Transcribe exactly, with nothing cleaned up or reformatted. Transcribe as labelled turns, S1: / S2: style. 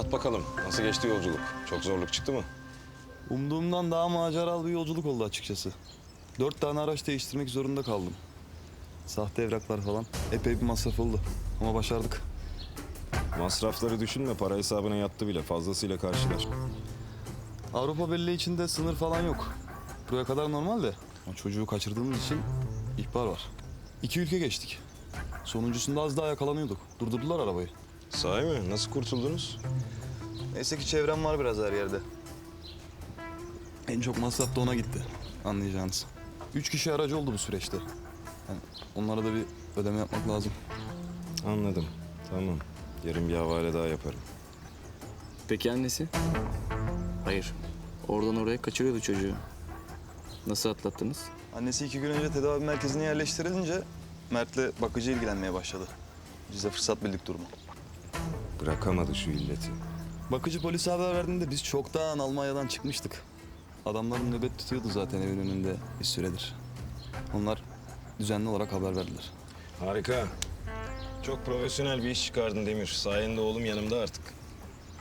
S1: Anlat bakalım. Nasıl geçti yolculuk? Çok zorluk çıktı mı?
S2: Umduğumdan daha maceralı bir yolculuk oldu açıkçası. Dört tane araç değiştirmek zorunda kaldım. Sahte evraklar falan. Epey bir masraf oldu. Ama başardık.
S1: Masrafları düşünme. Para hesabına yattı bile. Fazlasıyla karşılar.
S2: Avrupa Birliği içinde sınır falan yok. Buraya kadar normal de. Ama çocuğu kaçırdığımız için ihbar var. İki ülke geçtik. Sonuncusunda az daha yakalanıyorduk. Durdurdular arabayı.
S1: Sahi mi? Nasıl kurtuldunuz?
S2: Neyse ki çevrem var biraz her yerde. En çok masraf da ona gitti. Anlayacağınız. Üç kişi aracı oldu bu süreçte. Yani onlara da bir ödeme yapmak lazım.
S1: Anladım. Tamam. Yarın bir havale daha yaparım.
S3: Peki annesi? Hayır. Oradan oraya kaçırıyordu çocuğu. Nasıl atlattınız?
S2: Annesi iki gün önce tedavi merkezine yerleştirilince Mert'le bakıcı ilgilenmeye başladı. Biz de fırsat bildik durumu.
S1: Bırakamadı şu illeti.
S2: Bakıcı polise haber verdiğinde biz çoktan Almanya'dan çıkmıştık. Adamların nöbet tutuyordu zaten evin önünde bir süredir. Onlar düzenli olarak haber verdiler.
S1: Harika. Çok profesyonel bir iş çıkardın Demir. Sayende oğlum yanımda artık.